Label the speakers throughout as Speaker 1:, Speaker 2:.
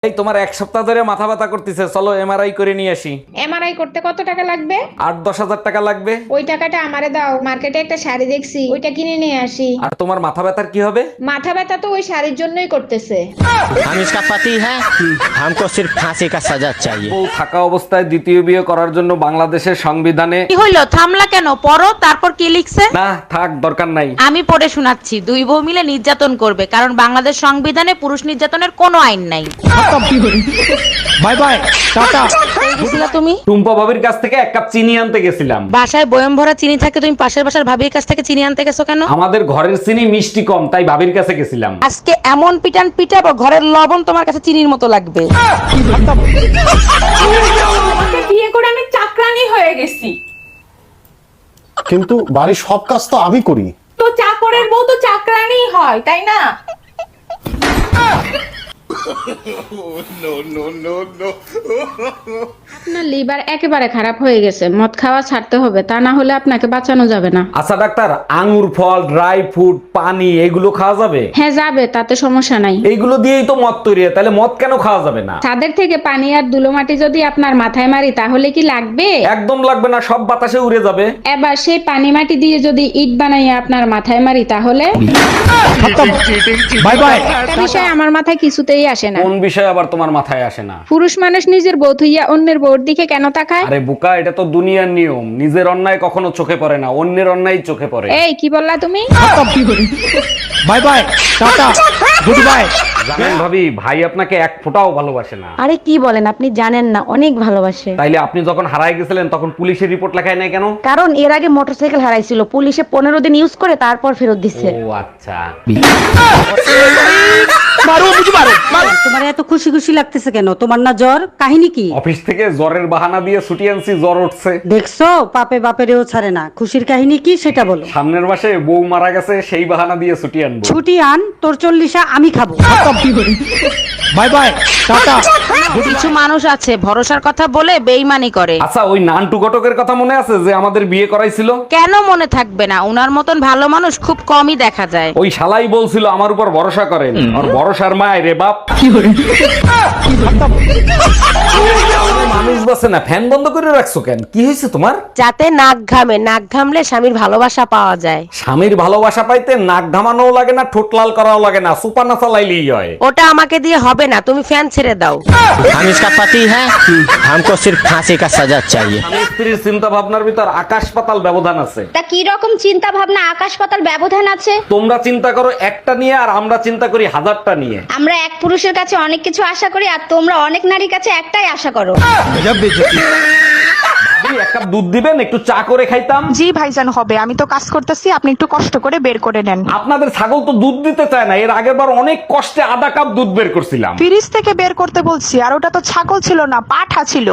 Speaker 1: এই তোমার এক সপ্তাহ ধরে মাথা ব্যথা করতেছে, চলো এমআরআই করে নিয়ে আসি।
Speaker 2: এমআরআই করতে কত টাকা লাগবে?
Speaker 1: 8-10 হাজার টাকা লাগবে।
Speaker 2: ওই টাকাটা আমারে দাও, মার্কেটে একটা শাড়ি দেখছি, ওইটা কিনে নিয়ে আসি।
Speaker 1: আর তোমার মাথা ব্যথার কি হবে?
Speaker 2: মাথা ব্যথা তো ওই শাড়ির জন্যই করতেছে।
Speaker 3: हम इसका पति है, हमको सिर्फ फांसी का सजा चाहिए।
Speaker 1: বউ থাকা অবস্থায় দ্বিতীয় বিয়ে করার জন্য বাংলাদেশের সংবিধানে
Speaker 4: কি হইলো, থামলা কেন? পড়ো, তারপর কি লিখছে?
Speaker 1: না থাক, দরকার নাই।
Speaker 4: আমি পড়ে শোনাচ্ছি। দুই বউ মিলে নির্যাতন করবে, কারণ বাংলাদেশ সংবিধানে পুরুষ নির্যাতনের কোনো আইন নাই।
Speaker 3: Bye bye tata.
Speaker 4: বুঝলা তুমি?
Speaker 1: টুম্পা ভাবির কাছ থেকে 1 কাপ চিনি আনতে গেছিলাম।
Speaker 4: বাসায় বয়ম ভরা চিনি থাকে, তুমি পাশের বাসার ভাবির কাছ থেকে চিনি আনতে গেছো কেন?
Speaker 1: আমাদের ঘরের চিনি মিষ্টি কম, তাই ভাবির কাছে গেছিলাম।
Speaker 4: আজকে এমন পিটান পিটাবো, ঘরের লবণ তোমার কাছে চিনির মতো লাগবে।
Speaker 5: আমাকে বিয়ে করে আমি চাকরানি হয়ে গেছি।
Speaker 6: কিন্তু বাড়ির সব কাজ তো আমি করি।
Speaker 5: তো চাকরের বউ তো চাকরানি হয়, তাই না?
Speaker 2: আপনার লিভার একেবারে খারাপ হয়ে গেছে, মদ খাওয়া ছাড়তে হবে, তা না হলে আপনাকে বাঁচানো যাবে না।
Speaker 1: আচ্ছা ডাক্তার, আঙ্গুর ফল, ড্রাই ফ্রুট, পানি এগুলো খাওয়া যাবে?
Speaker 2: হ্যাঁ যাবে, তাতে সমস্যা নাই।
Speaker 1: এইগুলো দিয়েই তো মদ তৈরি হয়, তাহলে মদ কেন খাওয়া যাবে না?
Speaker 2: ছাদের থেকে পানি আর ধুলোমাটি যদি আপনার মাথায় মারি তাহলে কি লাগবে?
Speaker 1: একদম লাগবে না, সব বাতাসে উড়ে যাবে।
Speaker 2: এবার সেই পানি মাটি দিয়ে যদি ইট বানাইয়া আপনার মাথায় মারি তাহলে?
Speaker 3: Bye bye.
Speaker 2: একটা বিষয় আমার মাথায় কিছুতেই আসে না।
Speaker 1: কোন বিষয় আবার তোমার মাথায় আসে না?
Speaker 2: পুরুষ মানুষ নিজের বউ থুইয়া অন্যের বউর দিকে কেন তাকায়?
Speaker 1: আরে বোকা, এটা তো দুনিয়ার নিয়ম। নিজের অন্যায় কখনো চোখে পড়ে না, অন্যের অন্যায় চোখে পড়ে।
Speaker 2: এই কি বললা তুমি?
Speaker 3: Bye bye tata goodbye.
Speaker 1: জানেন ভাবি, ভাই আপনাকে এক ফোঁটাও ভালোবাসে না।
Speaker 7: আরে কি বলেন, আপনি জানেন না, অনেক ভালোবাসে।
Speaker 1: তাইলে আপনি যখন হারায় গেছিলেন তখন পুলিশের রিপোর্ট লেখায় নাই কেন?
Speaker 7: কারণ এর আগে মোটরসাইকেল হারাইছিল, পুলিশে 15 দিন ইউজ করে তারপর ফেরত দিচ্ছে।
Speaker 1: ও আচ্ছা।
Speaker 7: তোমার এত খুশি খুশি লাগতেছে কেন? তোমার না জ্বর? কাহিনী কি?
Speaker 1: অফিস থেকে জ্বরের বাহানা দিয়ে ছুটি আনছি, জ্বর উঠছে।
Speaker 7: দেখছো, পাপে বাপেরেও ছাড়ে না। খুশির কাহিনী কি সেটা বলো।
Speaker 1: সামনের মাসে বউ মারা গেছে, সেই বাহানা দিয়ে ছুটি আনবো।
Speaker 7: ছুটি আন, তোর 40 আমি খাবো।
Speaker 3: Bye bye tata.
Speaker 4: কিছু মানুষ আছে ভরসার কথা বলে বেইমানি করে।
Speaker 1: আচ্ছা, ওই নান্টু ঘটকের কথা মনে আছে যে আমাদের বিয়ে করাইছিল?
Speaker 4: কেন মনে থাকবে না? উনার মতন ভালো মানুষ খুব কমই দেখা যায়।
Speaker 1: ওই শালাই বলছিল আমার উপর ভরসা করেন, আর ভরসার মায় রে বাপ। মানুষ বাসে না, ফ্যান বন্ধ করে রাখছো কেন? কি হয়েছে তোমার?
Speaker 4: যাতে নাক ঘামে, নাক ঘামলে স্বামীর ভালোবাসা পাওয়া যায়।
Speaker 1: স্বামীর ভালোবাসা পাইতে নাক ঘামানোও লাগে না, ঠোঁট লাল করাও লাগে না, সুপার না চালাইলেই হয়।
Speaker 4: ওটা আমাকে দিয়ে হবে না, তুমি ফ্যান ছেড়ে দাও।
Speaker 3: हम इसका पति है, हमको सिर्फ फांसी का सजा चाहिए।
Speaker 1: স্বামী স্ত্রীর চিন্তা ভাবনার ভিতর আকাশ পাতাল ব্যবধান আছে।
Speaker 8: তা কি রকম চিন্তা ভাবনা আকাশ পাতাল ব্যবধান আছে?
Speaker 1: তোমরা চিন্তা করো একটা নিয়ে, আর আমরা চিন্তা করি 1000টা নিয়ে।
Speaker 8: আমরা এক পুরুষের কাছে অনেক কিছু আশা করি, আর তোমরা অনেক নারীর কাছে একটাই আশা করো।
Speaker 1: ভাবি, 1 কাপ দুধ দিবেন, একটু চা করে খাইতাম।
Speaker 5: জি ভাইজান, হবে। আমি তো কাজ করতেছি, আপনি একটু কষ্ট করে বের করে নেন।
Speaker 1: আপনাদের ছাগল তো দুধ দিতে চায় না, এর আগের বার অনেক কষ্টে আধা কাপ দুধ বের করছিলাম।
Speaker 5: ফ্রিজ থেকে বের করতে বলছি, আর ওটা তো ছাগল ছিল না, পাঠা ছিল।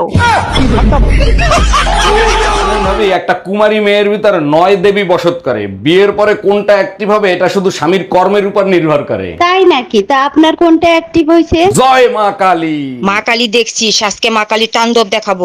Speaker 1: ভাবি, একটা কুমারী মেয়ের ভিতরে 9 দেবী বসত করে। বিয়ের পরে কোনটা অ্যাক্টিভ হবে এটা শুধু স্বামীর কর্মের উপর নির্ভর করে।
Speaker 8: তাই নাকি? তা আপনার কোনটা অ্যাক্টিভ হয়েছে?
Speaker 1: জয় মা কালী।
Speaker 4: মা কালী দেখছি, আজকে মা কালী তাণ্ডব দেখাবো।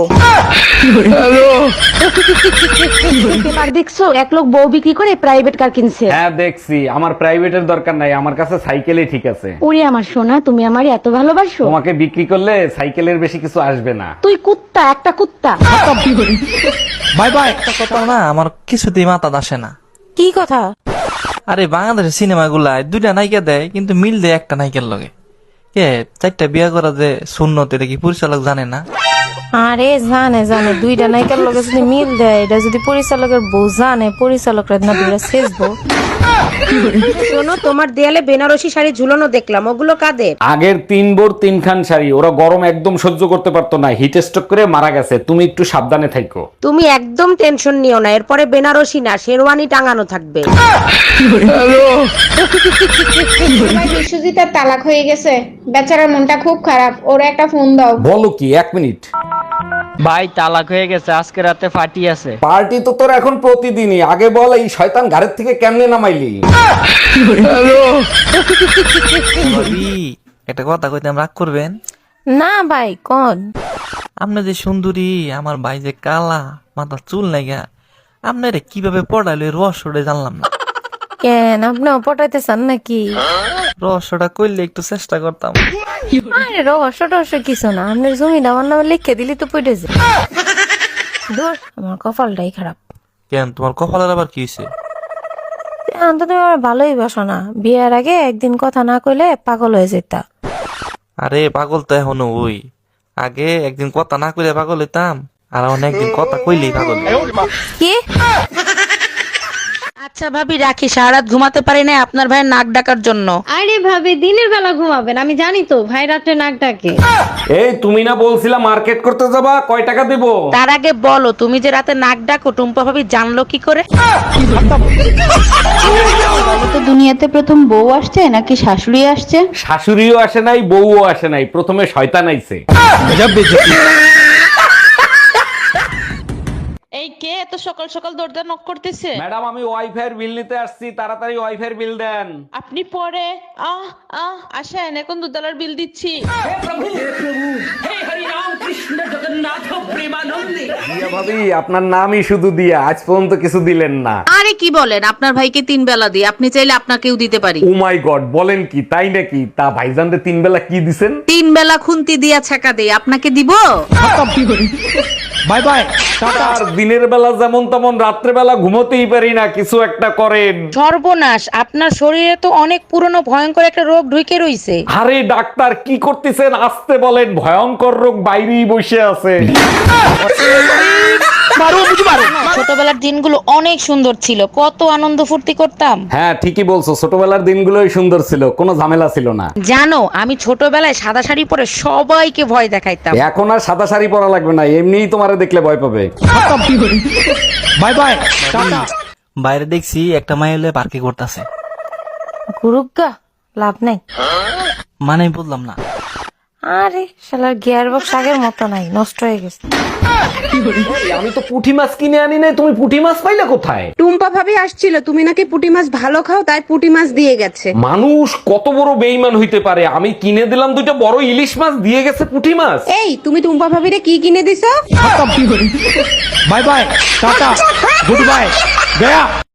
Speaker 7: এবার দেখছো, এক লোক বউ বিক্রি করে প্রাইভেট কার কিনছে।
Speaker 1: হ্যাঁ দেখছি, আমার প্রাইভেটের দরকার নাই, আমার কাছে সাইকেলই ঠিক আছে।
Speaker 7: ওরে আমার সোনা, তুমি আমারে এত ভালোবাসো।
Speaker 1: তোমাকে বিক্রি করলে সাইকেলের বেশি কিছু আসবে না।
Speaker 7: তুই কুত্তা, একটা কুত্তা।
Speaker 3: Bye bye.
Speaker 9: কথা না আমার কিছুতেই মাথা আসে না।
Speaker 4: কি কথা?
Speaker 9: আরে বাংলাদেশের সিনেমা গুলায় 2টা নায়িকা দেয়, কিন্তু মিল দেয় একটা নায়িকার লগে। কে 4টা বিয়ে করা যে সুন্নত, এটা কি পরিচালক জানে না?
Speaker 10: আরে জানে জানে, 2টা নায়িকার লগে যদি মিল দেয়, এটা যদি পরিচালকের বউ জানে, পরিচালকরা না দুইটা শেষবো।
Speaker 4: শোনো, তোমার দেয়ালে বেনারসি শাড়ি ঝুলানো দেখলাম, ওগুলো কাদের?
Speaker 1: আগের 3 বোর 3 খান শাড়ি, ওরা গরম একদম সহ্য করতে পারতো না, হিট স্ট্রোক করে মারা গেছে। তুমি একটু সাবধানে থাকো।
Speaker 4: তুমি একদম টেনশন নিও না, এরপরে বেনারসি না শেরওয়ানি টাঙানো থাকবে।
Speaker 2: ভাই, বিশ্বজিতের তালাক হয়ে গেছে, বেচারার মনটা খুব খারাপ। ওরা একটা ফোন দাও।
Speaker 1: বলো কি? 1 মিনিট।
Speaker 11: ভাই তালাক হয়ে গেছে, আজকে রাতে পার্টি আছে।
Speaker 1: পার্টি তো তোর এখন প্রতিদিনই। আগে বল, এই শয়তান ঘাড়ের থেকে কেমনে নামাইলি?
Speaker 9: ভাবি, একটা কথা কইতে রাগ করবেন
Speaker 10: না ভাই, কোন?
Speaker 9: আপনি যে সুন্দরী, আমার ভাই যে কালা, মাথা চুল নাইগা, আপনারে কিভাবে পড়াইলো রহস্যটা জানলাম না।
Speaker 10: কেন আপনিও পটাইতে চান নাকি?
Speaker 9: রহস্যটা করলে একটু চেষ্টা করতাম।
Speaker 10: আরে রহস্য টহস্য কিছু না, আপনার জমিটা আমার নামে লিখে দিলি তো পড়ে যায়। দূর, আমার কপালটাই খারাপ।
Speaker 9: কেন তোমার কপালের আবার কি হয়েছে?
Speaker 10: এখন তো তুমি আমার ভালোই বাসো না, বিয়ের আগে একদিন কথা না কইলে পাগল হয়ে যেতা।
Speaker 9: আরে পাগল তো এখনো ওই, আগে একদিন কথা না কইলে পাগল হইতাম, আর এখন একদিন কথা কইলেই পাগল হই।
Speaker 10: কি?
Speaker 4: আচ্ছা ভাবি রাখি, সারা রাত ঘুমাতে পারি না আপনার ভাইয়ের নাক ডাকার জন্য।
Speaker 2: আরে ভাবি দিনের বেলা ঘুমাবেন, আমি জানি তো ভাই রাত্রে নাক ডাকে।
Speaker 1: এই তুমি না বলছিলা মার্কেট করতে যাবা, কয় টাকা দিব?
Speaker 4: তার আগে বলো, তুমি যে রাতে নাক ডাকো টুম্পা ভাবি জানলো কি করে?
Speaker 2: তো দুনিয়াতে প্রথম বউ আসছে নাকি শাশুড়ি আসছে?
Speaker 1: শাশুড়িও আসে নাই, বউও আসে নাই, প্রথমে শয়তান আইছে।
Speaker 4: এই কে এত সকাল সকাল দরজা নক করতেছে?
Speaker 1: ম্যাডাম আমি ওয়াইফাই এর বিল নিতে আসছি, তাড়াতাড়ি ওয়াইফাই এর বিল দেন।
Speaker 4: আপনি পরে আসেন, এখন দুধালার বিল দিচ্ছি।
Speaker 1: দিয়া ভাবি আপনার নামই শুধু দিয়া, আজ পর্যন্ত কিছু দিলেন না।
Speaker 4: আরে কি বলেন, আপনার ভাইকে 3 বেলা দিই, আপনি চাইলে আপনাকেও দিতে পারি।
Speaker 1: ও মাই গড, বলেন কি, তাই নাকি? তা ভাইজানরে 3 বেলা কি দিছেন?
Speaker 4: 3 বেলা খুন্তি দিয়া ছাকা দেই, আপনাকে দিব?
Speaker 1: By bye tata. আর দিনের বেলা যেমন তেমন রাত্রে বেলা ঘুমোতেই পারি না, কিছু একটা করেন।
Speaker 4: সর্বনাশ, আপনার শরীরে তো অনেক পুরনো ভয়ঙ্কর একটা রোগ ঢুকে রইছে।
Speaker 1: আরে ডাক্তার কি করতেছেন, আসতে বলেন, ভয়ঙ্কর রোগ বাইরেই বসে আছে।
Speaker 4: ছোটবেলার দিনগুলো অনেক সুন্দর ছিল, কত আনন্দ ফুর্তি করতাম।
Speaker 1: হ্যাঁ ঠিকই বলছো, ছোটবেলার দিনগুলোই সুন্দর ছিল, কোনো ঝামেলা ছিল না।
Speaker 4: জানো, আমি ছোটবেলায় সাদা শাড়ি পরে সবাইকে ভয় দেখাইতাম।
Speaker 1: এখন আর সাদা শাড়ি পরা লাগবে না, এমনিই তোমারে দেখলে ভয় পাবে। Bye bye tata.
Speaker 9: বাইরে দেখছি একটা মাই হলে পার্কে করতেছে।
Speaker 10: গুরুগা লাভ নাই।
Speaker 9: মানে বললাম না।
Speaker 10: আরে শালার গিয়ার বক্স আগের মতো নাই, নষ্ট হয়ে গেছে।
Speaker 1: আমি তো পুঁটি মাছ কিনে আনি নাই, তুমি পুঁটি মাছ পাইলে কোথায়?
Speaker 5: টুম্পা ভাবি আসছিল, তুমি নাকি পুঁটি মাছ ভালো খাও, তাই পুঁটি মাছ দিয়ে গেছে।
Speaker 1: মানুষ কত বড় বেইমান হইতে পারে, আমি কিনে দিলাম 2টা বড় ইলিশ মাছ, দিয়ে গেছে পুঁটি মাছ।
Speaker 5: এই তুমি টুম্পা ভাবিরে কি কিনে দিছো?
Speaker 1: Bye bye tata goodbye Gaya.